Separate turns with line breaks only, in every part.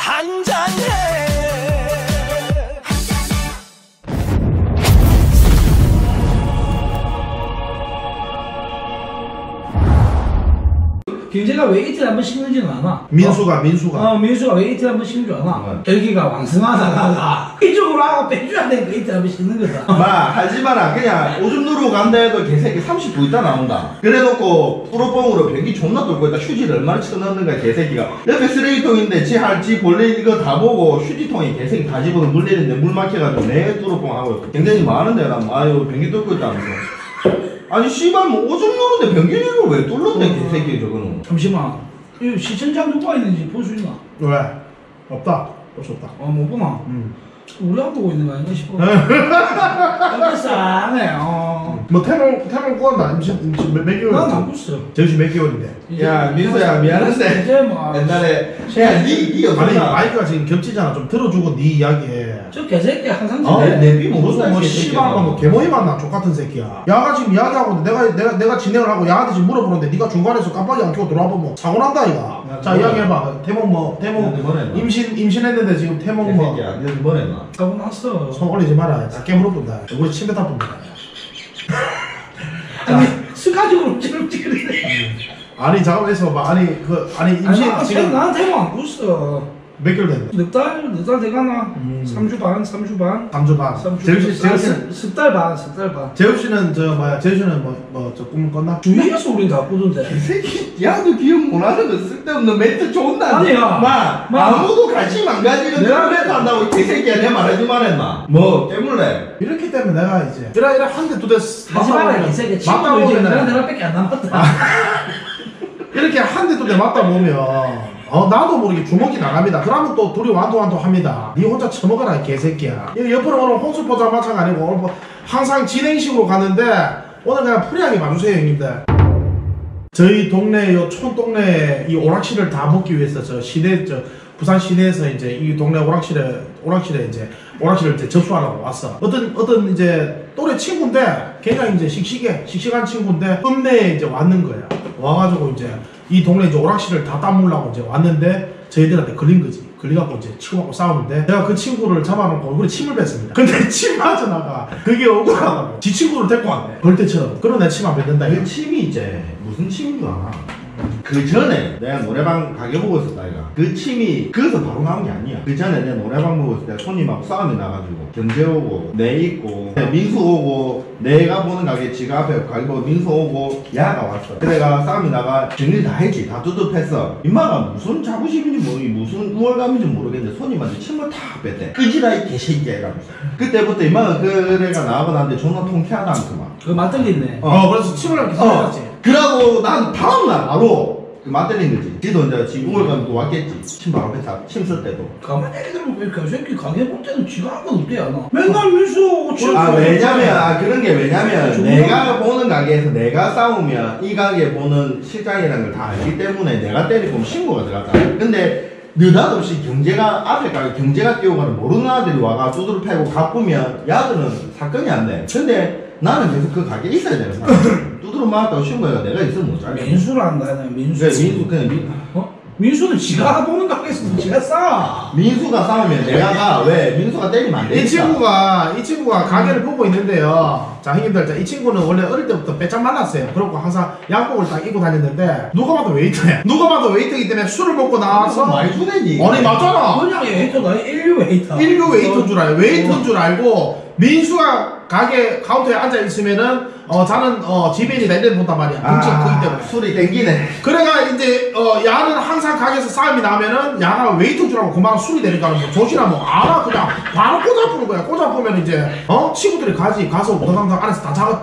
한잔해.
경제가 왜 이틀에 한 번 식는지는 않아.
민수가
민수가 왜 이틀에 한 번 식는 줄 아나. 여기가 왕성하다가 이쪽으로 하고 빼줘야 되니까 이틀에 한 번 식는 거다.
마 하지 마라. 그냥 오줌 누르고 간다 해도 개새끼 30분 있다 나온다. 그래놓고 프로뽕으로 변기 존나 돌고 있다. 휴지를 얼마나 쳐넣는가 개새끼가. 옆에 쓰레기통인데 지 본래 이거 다 보고 휴지통에 개새끼 다 집어서 물 내리는데 물 막혀가지고 내 프로뽕 하고 굉장히 많은데 나 아유 변기 뚫고 있다면서. 아니 씨발 뭐 오줌 누르는데 변기를 왜 뚫는데 개새끼 저거는.
잠시만, 이 시청자 누가 있는지 볼 수 있나?
왜? 없다. 볼 수 없다.
못 보나? 우리 안 보고 있는 거 아닌가 싶어. 이거 싸네.
뭐 태몽 구한다. 임신 몇 개월?
난 안 봤어.
제주시 몇 개월인데? 야 민수야 미안한데
이제 뭐
옛날에 니 아니 마이크가 지금 겹치잖아. 좀 들어주고 니 이야기해.
저 개새끼 항상
내비 무슨 뭐 씨발 뭐 개모이 만나 족같은 새끼야. 야가 지금 이야기하고 내가 진행을 하고 야한테 지금 물어보는데 니가 중간에서 깜빡이 안 켜고 들어와 보면 사고 난다 이가. 자 이야기해봐. 태몽 임신했는데 지금 태몽 뭐
뭐 했나? 하고 났어.
손 올리지 마라. 작게 물어본다. 우리 침대 탑본다.
아니 스카지로 찌르찌르네.
아니 잠깐만 있어봐. 아니 임신 지금
나한테 안 kus어.
몇 개월 됐네?
넉 달 돼가나? 3주 반.
3주 반.
제우씨 석 달 반.
제우씨는 제우씨는 저 꿈을 꿨나?
주위에서 우린 다 꾸던데.
이 새끼 야도 기억 못하는 거 쓸데없는 멘트 존나.
아니야.
아무도 관심 안 가지는 내가 멘트 한다고 이 개새끼야. 내 말하지 말했나? 뭐 깨물래? 이렇기 때문에 내가 이제 이라 한 대 두 대
하지 마라 이 새끼. 친구도 이제 내가밖에 안 남았다.
이렇게 한 대 두 대 맞다 보면 나도 모르게 주먹이 나갑니다. 그러면 또 둘이 완도완도 합니다. 니 혼자 처먹어라 이 개새끼야. 옆으로 오늘 홍수 포장마차가 아니고 오늘 뭐 항상 진행식으로 가는데 오늘 그냥 프리하게 봐주세요 형님들. 저희 동네 요 촌동네 이 오락실을 다 먹기 위해서 부산 시내에서 이제 이 동네 오락실에 이제 접수하려고 왔어. 어떤 이제 또래 친구인데 굉장히 이제 씩씩한 친구인데 읍내에 이제 왔는 거야. 와가지고 이제 이 동네 이제 오락실을 다 따먹으려고 이제 왔는데 저희들한테 걸린 거지. 걸려갖고 이제 치고받고 싸우는데 내가 그 친구를 잡아놓고 얼굴에 침을 뱉습니다. 근데 침 맞아 나가. 그게 억울하다고. 지 친구를 데리고 왔네. 벌떼처럼. 그런 내 침 안 뱉는다. 그 침이 이제 무슨 침인 줄 알아? 그 전에 내가 노래방 가게 보고 있었다 이가. 그 침이 그래서 바로 나온 게 아니야. 그 전에 내가 노래방 보고 있을 때 손님하고 싸움이 나가지고 경제 오고 내 있고 민수 오고 내가 보는 가게 지가 앞에 가게 보고 민수 오고 야가 왔어. 그래가 싸움이 나가 정리 다 했지. 다 두둑했어. 임마가 무슨 자부심인지 무슨 우월감인지 모르겠는데 손님한테 침을 다 뺐대. 끄지라 이 개새끼야 이러면서. 그때부터 임마가 그래가 나하고 나한테 존나 통쾌하다 않구만.
그거 맞들리네.
그래서 침을 이렇게 쏟았지. 그러고 난 다음날 바로 맞들린 거지. 지도 이제 지 우월감도 왔겠지. 침 바로 뺐다. 침 쓸 때도.
가만히 얘기들으면 왜 그 새끼 가게 볼 때는 지가 한 건 없대 안 맨날 민수 침.
왜냐면 그런 게 왜냐면 내가 보는 가게에서 내가 싸우면 이 가게 보는 실장이라는 걸 다 알기 때문에 내가 때리고 신고가 들어갔다. 근데 느닷없이 앞에 가게 경제가 뛰어가는 모르는 아들이 와가 두드러 패고 가쁘면 야들은 사건이 안 돼. 근데 나는 계속 그 가게에 있어야 되는 사람. 두드러 맞았다고 신고해가 내가 있으면 못 잘해.
민수를 한다. 민수. 민수는 지가 보는 가게에서 지가 싸.
민수가 싸우면 내가 가. 왜? 민수가 때리면 안 돼. 이 친구가 가게를 보고 있는데요. 자, 형님들, 이 친구는 원래 어릴 때부터 빼짝 만났어요. 그렇고 항상 양복을 딱 입고 다녔는데 누가 봐도 웨이터야. 누가 봐도 웨이터이기 때문에 술을 먹고 나와서 많이 주네니.
아니
맞잖아.
그냥 웨이터가 인류 웨이터.
인류 웨이터인 줄 알고 웨이터인 줄 알고 민수가 가게 카운터에 앉아 있으면은 자는 지배인이다 이래 본단 말이야. 등치가 크기 때문에 술이 땡기네. 그래가 이제 야는 항상 가게에서 싸움이 나면은 야가 웨이터인 줄 알고 그만 술이 되니까 뭐 조시나 뭐 알아 그냥 바로 꽂아보는 거야. 꽂아보면 이제 친구들이 가서 우당탕 안에서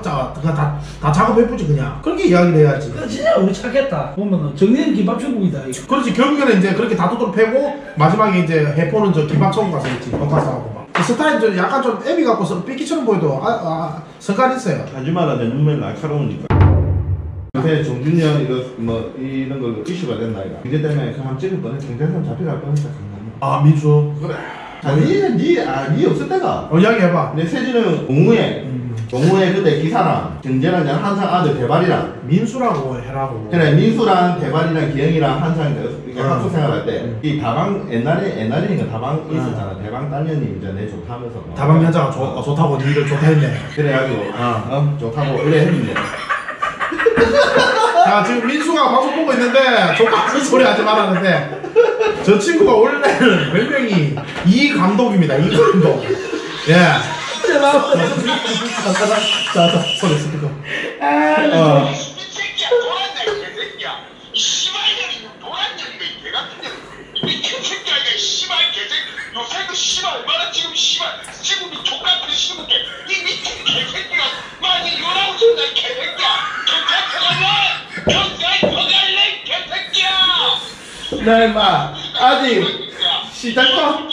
다 작업해보지 그냥. 그렇게 이야기를 해야지.
진짜 우리 착했다. 보면은 정리는 김밥 천국이다.
그렇지. 결국에는 이제 그렇게 다 두드러 패고 마지막에 이제 해포는 저 김밥 천국 가서 있지. 돈가스하고 막. 스타일 좀 약간 좀 애비 갖고서 삐끼처럼 보여도 성깔 있어요.
하지 마라. 내 눈매 날카로우니까. 요새 정준영 이런 거 이슈가 됐나 이거. 이제 때문에 한번 찍을 뻔했어. 경찰서 잡혀갈 뻔했다.
민수.
그래. 니 없을 때가.
이야기해봐.
내 세진은 동우에 그때 기사랑 경재랑 한상 아들 대발이랑
민수라고 해라고.
그래 민수랑 대발이랑 기영이랑 한상 학교 생활할 때 이 다방 옛날이니까 다방 있었잖아. 대방 딸년이 이제 내 좋다면서
다방 여자가 좋다고 니를 좋다 했네.
그래가지고 좋다고 이래 했는데
자 지금 민수가 방송 보고 있는데 똑같은 소리 하지 말았는데 저 친구가 원래는 별명이 이 감독입니다. 이 감독. 예. 자, 소리 스피커.
이 새끼야 노란다 이 새끼야 이 씨발년이 노란년이가 이 개같은 년 미친 새끼야 이게 씨발 개새끼 요새 그 씨발 얼마나 지금 씨발 지금 이 족같은 시국에 이 미친 개새끼가 많이 요라고 준다 이 개새끼야 경찰 들어갈래 개새끼야
나 임마 아직 시작도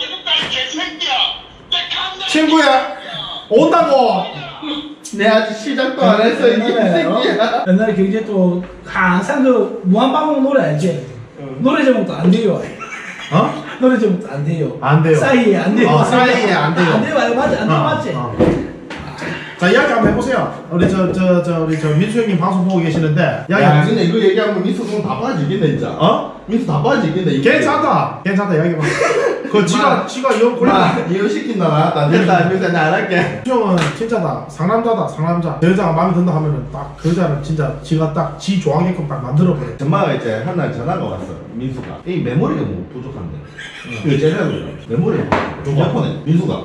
친구야 온다고.
내 아직 시작도 안 했어 이 새끼야.
옛날에 경제 또 항상 그 무한반복 노래 알지? 노래 제목도 안 돼요. 노래 제목도 안 돼요.
안 돼요.
사이에 안 돼요.
사이에 안 돼요.
안 돼요. 맞지? 안 돼요. 맞지?
자 이야기 한번 해보세요. 우리 우리 민수 형님 방송 보고 계시는데
야 근데 이거 얘기하면 민수 그럼 다 빠지겠네 진짜. 민수 다 빠지겠네.
괜찮다 이야기해봐. 그 지가 영 골라.
이거 시킨다 나 됐다 민수 나안 할게.
형은 진짜다. 상남자. 그 여자가 마음에 든다 하면은 딱 그 여자를 진짜 지가 딱 지 좋아하게끔 딱 만들어버려.
전마가 이제 한날 전화가 왔어. 민수가 이 메모리가 뭐 부족한데. 이거 제대로 메모리가 휴대폰에 민수가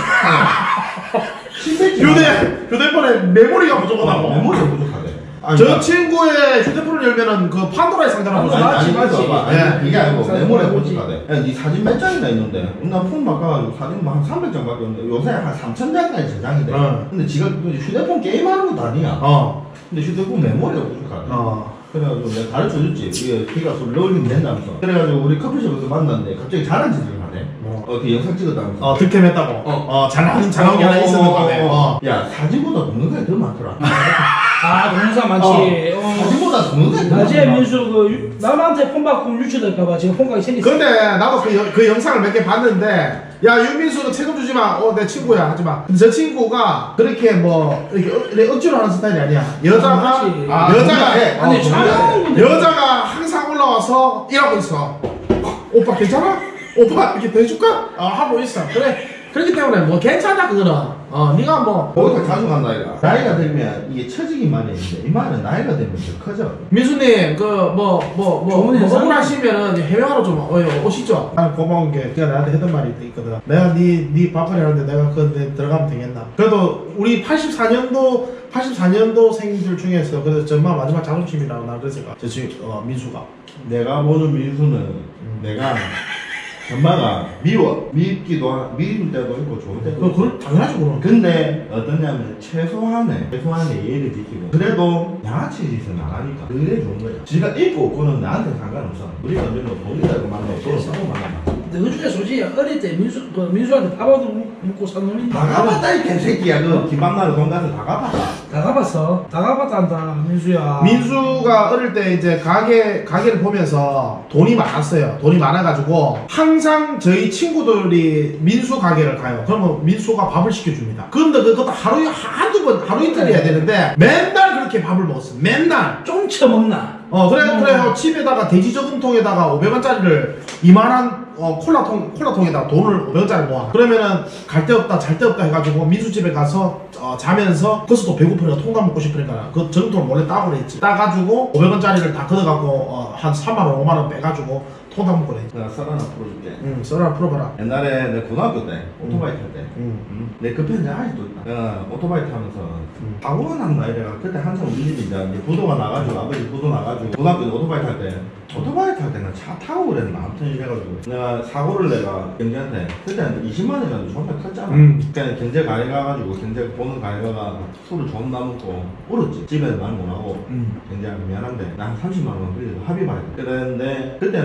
휴대폰에 메모리가 부족하다고.
메모리가
부족하대.
저 친구의 휴대폰을 열면은 그 판도라의 상자라고.
맞지.
이게 아니고 메모리가 부족하대. 야, 네 사진 몇 장이나 있는데 나 폰 바꿔가지고 사진 한 300장밖에 없는데 요새 한 3000장까지 저장이 돼. 근데 지가 휴대폰 게임하는 것도 아니야. 근데 휴대폰 메모리가 부족하대. 그래가지고 내가 가르쳐줬지. 이게 걔가 소리 올리면 된다면서. 그래가지고 우리 커피숍에서 만났는데 갑자기 잘한 짓을 하네. 그 영상 찍었다면서.
득템했다고. 잘하는 게 하나 있었는데.
야 사진보다 동영상이 더 많더라.
동영상 많지.
사진보다 동영상이 더
낮에
많더라.
민수 그 남한테 폰 받고 유출될까봐 지금 폰각이 생겼어.
근데 나도 그 영상을 몇 개 봤는데 야 윤민수는 책임 주지 마. 내 친구야 하지 마. 근데 저 친구가 그렇게 뭐 이렇게 억지로 하는 스타일이 아니야. 여자가
아니 촬영
여자가 항상 올라와서 일하고 있어. 오빠 괜찮아? 오빠 이렇게 더 해줄까? 하고 있어. 그래. 그렇기 때문에 뭐 괜찮아 그거는. 네가 뭐
거기서 자주 간다 이가. 나이가 들면 이게 처지기만 했는데 이 말은 나이가 되면 더 커져.
민수님 뭐 억울하시면은 해명하러 좀 오시죠. 나는 고마운 게 그가 나한테 했던 말이 있거든. 내가 네 밥벌이 하는데 내가 그 들어가면 되겠나. 그래도 우리 84년도 생들 중에서 그래서 정말 마지막 자존심이라고 나 그래서 저 지금 민수가
내가 보는 민수는 내가 엄마가 밉기도 미울 때도 있고 좋을 때도 있고.
그걸 당연하지 그럼.
근데 어떠냐면 최소한의 예의를 지키고 그래도 양아치 짓은 안 하니까 그게 좋은 거야. 지가 있고 없고는 나한테 상관없어. 우리가 언제는 돈이라고 만나고 돈을 싸고 만나봐.
그 중에 솔직히 어릴 때 민수한테 밥도 먹고 산 놈인데.
다 갚았다 이 개새끼야. 그 김밥나루 돈 가서 다 갚았다.
다 갚았단다 민수야.
민수가 어릴 때 이제 가게를 보면서 돈이 많았어요. 돈이 많아가지고 항상 저희 친구들이 민수 가게를 가요. 그러면 민수가 밥을 시켜줍니다. 그런데 그것도 하루 이틀 해야 되는데 맨날 그렇게 밥을 먹었어. 맨날.
좀 처먹나?
그래 집에다가 돼지 저금통에다가 500원짜리를 이만한 콜라통에다가 돈을 500원짜리 모아. 그러면은 갈 데 없다 잘 데 없다 해가지고 민수 집에 가서 자면서 거기서 또 배고프니까 통닭 먹고 싶으니까 그 저금통을 몰래 따고 그랬지. 따가지고 500원짜리를 다 걷어갖고 한 3만원 5만원 빼가지고 통닭 먹고 그랬지.
내가 썰 하나 풀어줄게.
썰 하나 풀어봐라.
옛날에 내 고등학교 때 오토바이 탈 때 내 그 편지 아직도 있다. 오토바이 타면서 사고가 났나 이래가 그때 한참 우리 집이 이제 부도가 나가지고 아버지 부도 나가지고 고등학교 때 오토바이 탈 때는 차 타고 그랬나 아무튼 이래가지고 내가 사고를 내가 경제한테 그때는 20만 원이라도 존나 컸잖아. 그러니까 경제 가게 가가지고 경제 보는 가게 가가 술을 존나 먹고 울었지. 집에는 말 못하고 경제한테 미안한데 나 한 30만 원 그래도 합의 봐야 돼. 그랬는데 그때는 존나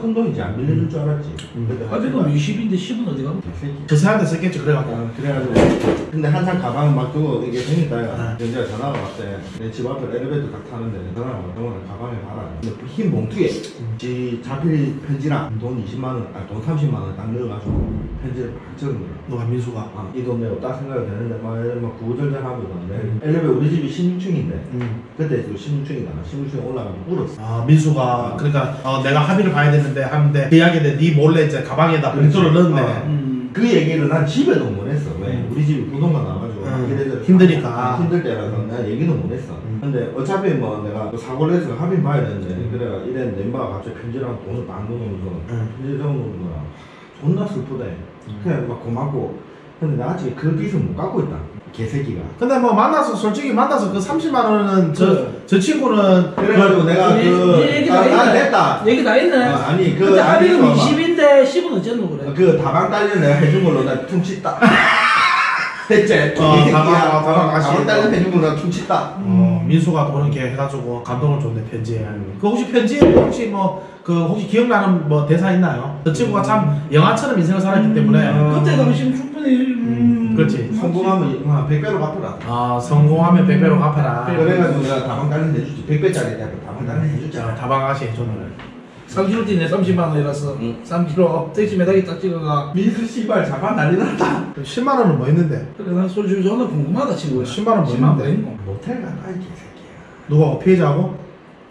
큰 돈이지 안 빌려줄 줄 알았지.
가지고 20인데 10은 어디 가면
개새끼.
저 사람한테 썼겠지 그래갖고.
그래가지고 근데 한참 가방 막 두고 이게 생겼다 이가 연재가 전화가 왔대. 내 집 앞에 엘리베이터 딱 타는데 전화가 와. 병원에 가방에 봐라. 근데 흰 봉투에 지 자필 편지랑 돈 20만 원, 아니 돈 30만 원 딱 넣어가지고 편지를 막 적은 거야.
누가 민수가.
이 돈 내가 딱 생각이 되는데 막 구구절절 하고 있었는데 엘리베이터 우리 집이 16층인데 그때 또 16층이다. 16층에 올라가면 울었어.
아 민수가 그러니까 내가 합의를 봐야 되는데 하는데 그 이야기인데 네 몰래 이제 가방에다 봉투를 넣었네.
그 얘기를 난 집에도 못 했어. 왜? 우리 집이 부동산 나와가지고 이래저래
힘드니까.
힘들 때라서 내가 얘기는 못 했어. 근데 어차피 뭐 내가 사고를 해서 합의 봐야 되는데 그래가 이랬는데 인바가 갑자기 편지랑 돈을 막 넣어놓으면서 편지 적어놓은 거야. 존나 슬프대. 그냥 막 고맙고. 근데 나 아직 그 빚은 못 갚고 있다. 개새끼가.
근데 뭐 만나서 솔직히 만나서 그 30만 원은 저 친구는
그래가지고 내가
얘기 다 했네.
됐다.
얘기 다 했네.
아니 그
근데 합의금
아니,
20인데 10은 어쨌노 그래.
그 다방 딸려 내가 해준 걸로 나 퉁치다. 됐지? 다방 딸려 해준 걸로 나 퉁치다.
민수가 또 그렇게 해가지고 감동을 줬네 편지에. 그 혹시 편지에 혹시 뭐 그 혹시 기억나는 뭐 대사 있나요? 저 친구가 참 영화처럼 인생을 살았기 때문에.
그때 당시는 충분히
그렇지.
성공하면 100배로 갚아라.
아 성공하면 100배로 갚아라.
그래가지고 내가 다방 딸려 해주지. 100배짜리 다방 딸려 해주자.
다방 아가씨 해줬네.
3kg 뛰네 30만 원이라서 3kg 택시 매달기 딱 찍어가.
민수 씨발 자반 난리 났다.
10만 원은 뭐 했는데?
그래 난 솔직히 저는 궁금하다 친구야.
10만 원 뭐
10만 원
했는데?
뭐 했노?
모텔 가라 이 개새끼야.
누가 피해자하고?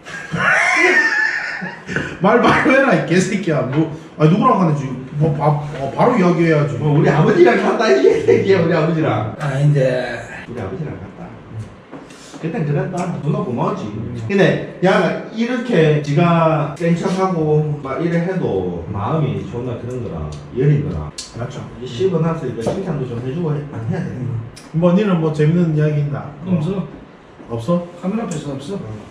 말 바로 해라 이 개새끼야. 뭐 아니 누구랑 가는지 뭐 바로 이야기해야지.
우리 아버지랑 갔다 이 개새끼야. 우리 아버지랑.
아닌데.
우리 아버지랑 갔다. 그땐 그랬다. 존나 고마웠지. 근데 야 이렇게 지가 센 척하고 막 이래 해도 마음이 존나 그런 거라 여린 거라.
맞죠.
이 씹어놨으니까 칭찬도 좀 해주고 안 해야 돼.
뭐 니는 뭐 재밌는 이야기 있나?
없어.
없어?
카메라 앞에서 없어.